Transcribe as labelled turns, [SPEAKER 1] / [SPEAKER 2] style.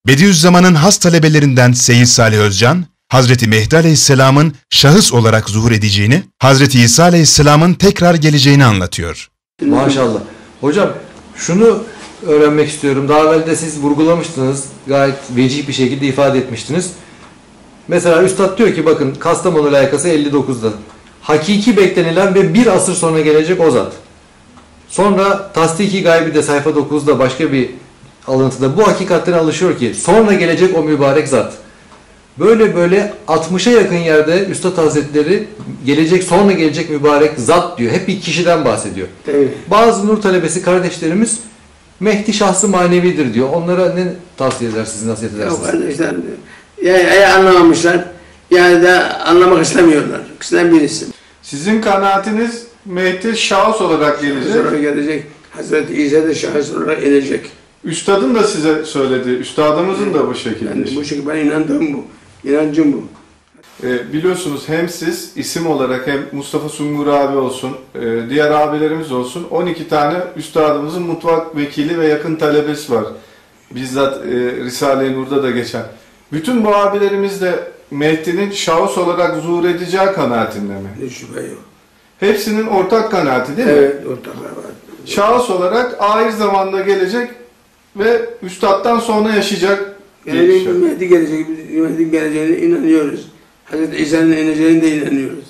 [SPEAKER 1] Bediüzzaman'ın has talebelerinden Seyyid Salih Özcan, Hazreti Mehdi Aleyhisselam'ın şahıs olarak zuhur edeceğini, Hazreti İsa Aleyhisselam'ın tekrar geleceğini anlatıyor.
[SPEAKER 2] Maşallah. Hocam şunu öğrenmek istiyorum. Daha evvel de siz vurgulamıştınız. Gayet vecih bir şekilde ifade etmiştiniz. Mesela Üstad diyor ki bakın Kastamonu layıkası 59'da. Hakiki beklenilen ve bir asır sonra gelecek o zat. Sonra Tasdiki Gaybi de sayfa 9'da başka bir alıntıda bu hakikatlere alışıyor ki sonra gelecek o mübarek zat. Böyle 60'a yakın yerde Üstad Hazretleri sonra gelecek mübarek zat diyor. Hep bir kişiden bahsediyor.
[SPEAKER 3] Evet.
[SPEAKER 2] Bazı nur talebesi kardeşlerimiz Mehdi şahsı manevidir diyor. Onlara ne tavsiye edersiniz, nasihat edersiniz?
[SPEAKER 3] Yok kardeşler, ya anlamamışlar ya da anlamak istemiyorlar. İkisinden birisi.
[SPEAKER 4] Sizin kanaatiniz Mehdi şahıs olarak gelecek.
[SPEAKER 3] Sonra gelecek. Hazreti İsa da şahıs olarak inecek.
[SPEAKER 4] Üstadın da size söyledi. Üstadımızın da bu şekilde.
[SPEAKER 3] Yani bu şekilde ben inandığım bu. İnancım bu.
[SPEAKER 4] Biliyorsunuz hem siz isim olarak hem Mustafa Sungur abi olsun, diğer abilerimiz olsun 12 tane üstadımızın mutfak vekili ve yakın talebesi var. Bizzat Risale-i Nur'da da geçen. Bütün bu abilerimiz de Mehdi'nin şahıs olarak zuhur edeceği kanaatinde mi?
[SPEAKER 3] Hiç şüphe yok.
[SPEAKER 4] Hepsinin ortak kanaati değil mi?
[SPEAKER 3] Evet, ortaklar var.
[SPEAKER 4] Şahıs olarak ahir zamanda gelecek ve üstadtan sonra yaşayacak.
[SPEAKER 3] Mehdi geleceğine inanıyoruz. Hazreti İsa'nın ineceğine de inanıyoruz.